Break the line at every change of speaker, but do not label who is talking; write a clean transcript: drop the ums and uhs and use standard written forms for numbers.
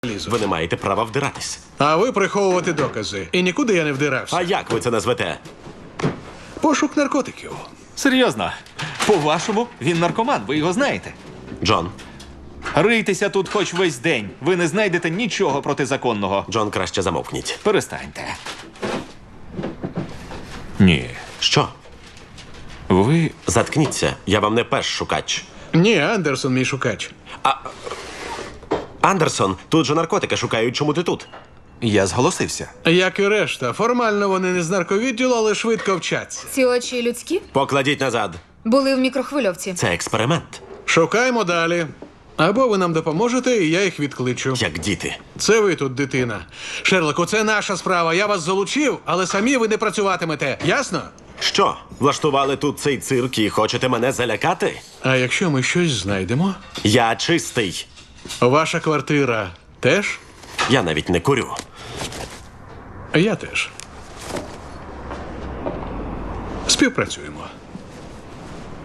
лізу.
Ви не маєте права вдиратись.
А ви приховувати докази. І нікуди я не вдирався.
А як ви це назвете?
Пошук наркотиків.
Серйозно. По-вашому, він наркоман, ви його знаєте.
Джон.
Рийтеся тут хоч весь день. Ви не знайдете нічого протизаконного.
Джон, краще замовкніть.
Перестаньте. Ні.
Що?
Ви...
Заткніться. Я вам не пеш шукач.
Ні, Андерсон мій шукач.
Андерсон, тут же наркотики шукають. Чому ти тут?
Я зголосився.
Як і решта. Формально вони не з нарковідділу, але швидко вчаться.
Ці очі людські?
Покладіть назад.
Були в мікрохвильовці.
Це експеримент.
Шукаємо далі. Або ви нам допоможете, і я їх відкличу.
Як діти.
Це ви тут, дитина. Шерлоку, це наша справа. Я вас залучив, але самі ви не працюватимете. Ясно?
Що? Влаштували тут цей цирк і хочете мене залякати?
А якщо ми щось знайдемо?
Я чистий.
Ваша квартира теж?
Я навіть не курю.
Я теж. Співпрацюємо.